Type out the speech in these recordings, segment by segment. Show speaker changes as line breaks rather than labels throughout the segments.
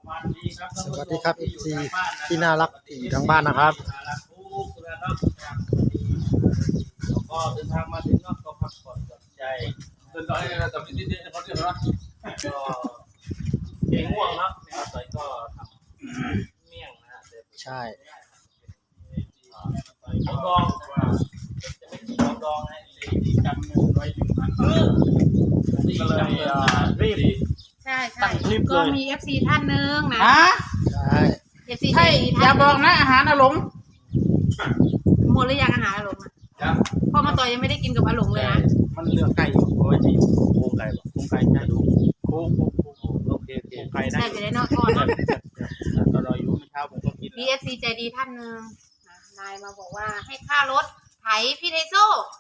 สวัสดีครับ FC ที่น่ารักที่ทางบ้านนะครับ
แล้วก็เดินทางมาถึงก็พักผ่อนหย่อนใจเดินต่อให้เราจับนิดๆเขาเรียกว่าก็เก่งง่วงเนาะนะครับต่อยก็ทำเมี่ยงนะฮะ
ใช่
ต่อยข้าวดองจะไม่กินข้าวดองนะที่จำเงินไว้1,000 บาทก็เลยรีบ
ใช่ใช่ก็มี FC ท่านนึงนะ
ใช่
FC
ใช่อย่าบอกนะอาหารอาหลง
หมดหรือยังอาหารอาหลงนะพ่อมาต่อยยังไม่ได้กินกับอาหลงเลยนะ
มันเลือกไก่อยู่โอ้ยจะอยู่โครงไก่ป่ะโครงไก่จะดูโค้งโอเคไก่ได้
จะได้นอกทอดนะ
ตอนเราอยู่เมื่อเช้าผมก็กิน
FC ใจดีท่านนึงนายมาบอกว่าให้ค่ารถไถพี่ไทโซ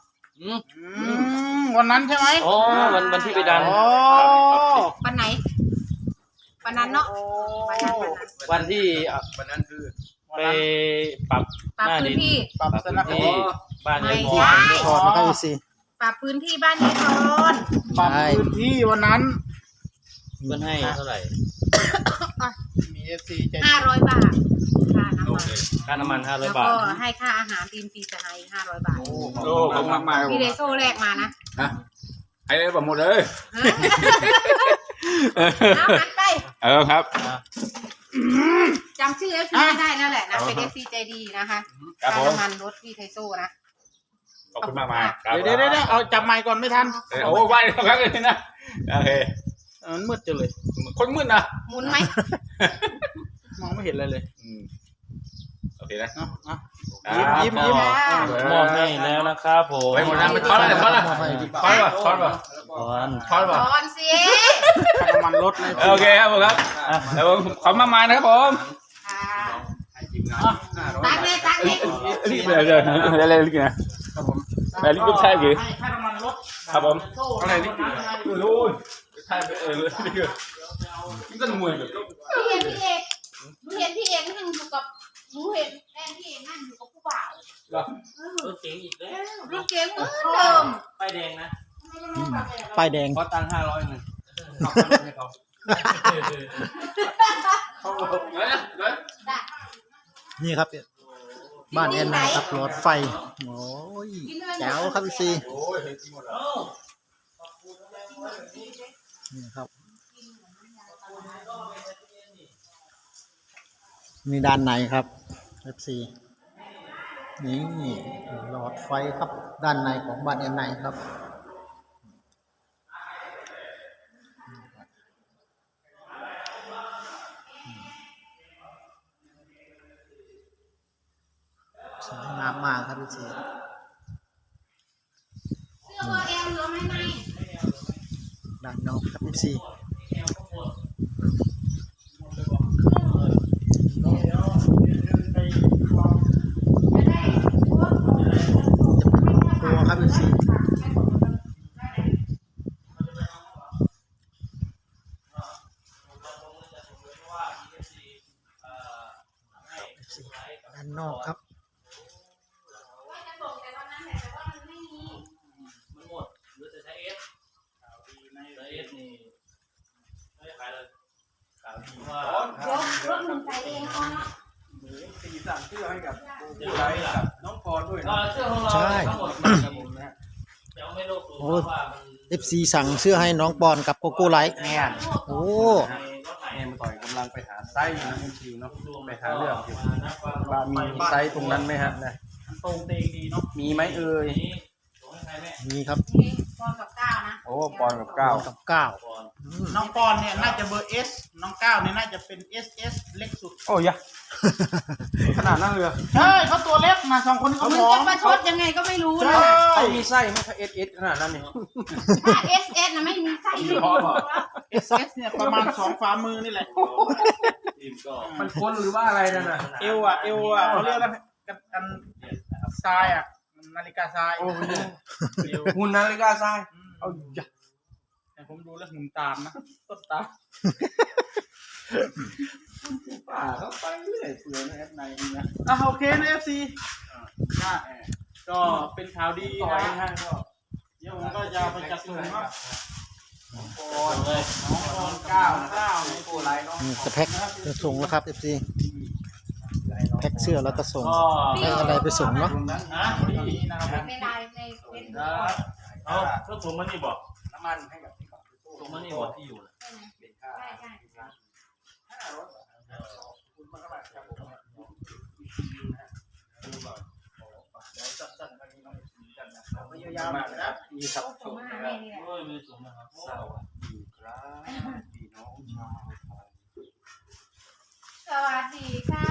วันนั้นใช่ไหม
อ๋อวันที่ไปดัน
วันไหนวันนั้นเนาะ
วันที่วันนั้นคือไปปรับ
พื้นที่
ปรับสนามที่
บ้าน
ไม่
ใช่
ขอนะครับ FC
ปรับพื้นที่บ้านนี้ทอน
ปรับพื้นที่วันนั้น
เพื่อนให้เท่าไหร่
มี FC ใจ
500 บาทค่าน้ำมัน
500 บาท
แล้วก็ให้ค่าอาหารทีมปีจะให้500 บาท
โอ้ขอบคุณมาก
พี่ไทโซแรกมานะ
ให้เลยหมดเลย
เอาหันไป
ครับ
จำชื่อ FC ไม่ได้นั่นแหละนะเป็น FC ใจดีนะคะค่าน้ำมันรถพี่ไทโซนะ
ขอบคุณมากเดี๋ยวเอาจับไมค์ก่อนไม่ทันโอ้ไหวแล้วครับเลยนะโอเคมันมืดจังเลยคนมืดนะ
หมุนไหม
มองไม่เห็นอะไรเลยโอเคนะ
ยิ้มมอบให้แล้วนะครับผม
ไปหมดแล้วมันทอน
สิ
น้ำมันลดเลยโอเคครับผมครับแล้วผมขอมานะครับผม
ตักเลย
รีบเลยรีบนะครับผมรีบลูกชายกี่ครับผมอะไรรีบรู้ใช่รีบนี่ก็มวยแบบ
พี่เอกนั่งอยู่กับหนูเห็นแอนพี่เอกนั่งอยู่กับผู้บ่าว
รถเก๋งอีกแล้ว
รถเก๋งเหมือนเดิม
ป้ายแดงนะ
ป้ายแดง
ขอตังค์500นึงให้เขา
นี่ครับบ้านแอนนาครับรถไฟโอ้ยแจ๋วครับ FC นี่ครับนี่ด้านในครับ FC นี่หลอดไฟครับด้านในของบ้านแอนนาครับสวยงามมากครับพี่ชีด้านนอกครับพี่ชีตัวครับพี่ชีด้านนอกครับ
รถหนุ่มใจเองเขาเนาะ
ตีสั่งเสื้อให้กับผู้ไลฟ์กับน้องพรด้วย
ใช่โอ้ FC สั่งเสื้อให้น้องปอนกับโกโก้ไลท์
เนี่ย
โอ้
เนี่ยมาต่อยกำลังไปหาไซส์นะคุณชิวเนาะไปหาเรื่องว่ามีไซส์ตรงนั้นไหมฮะนะตรงเตงดีเนาะมีไหมเอ่ย
มีครับ
ปอนกับ9นะ
โอ้ปอนกับ9น้องปอนเนี่ยน่าจะเบอร์ S น้อง9เนี่ยน่าจะเป็น SS เล็กสุดโอ้ยขนาดนั้นเลยใช่เขาตัวเล็กมา2คนเขา
มันจะมาชดยังไงก็ไม่รู้นะ
เขามีไส้ไหมถ้า SS ขนาดนั้นเนี่ย
ถ้า SS นะไม่มีไส้เลย
SS เนี่ยประมาณ2ฝ่ามือนี่แหละมันพ้นหรือว่าอะไรนั่นน่ะเอวเขาเรียกอะไรกันทรายอ่ะนาฬิกาทรายหุ่นนาฬิกาทรายเอาอย่าแต่ผมดูแล้วหุ่นตามนะต้นตามป่าเขาไปเรื่อยเปื่อยนะในนี้นะโอเคนะ FC ก็เป็นข่าวดีนะเดี๋ยวผมก็จะไปจัดส่งครับ
เลย
น้องก้าวนี่โอ้ลายน้อง
นี่จะแพ็คจะส่งแล้วครับ FC แพ็คเสื้อแล้วก็ส่ง
ก็
ให้อะไรไปส่งเนาะ
นะ
นี้นะครับ
ในไลน์ในเฟซบุ๊ก
เอาก็ถุงมันนี่บอก
น้ำมันให้กับ
ถุงมันนี่บอกที่อยู่นะ
เป็นค่า
ใช่ใช่
คุณมากครับผมยาวๆนะ
นี่ครับ
ส่งมาหาแม่นี่แหละ
โอ้ยมีถุงนะครับ
สวัสดีครับพี่น้องชาวไทย
สวัสดีครับ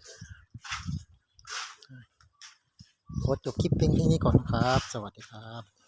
ขอจบคลิปเพียงแค่นี้ก่อนครับ สวัสดีครับ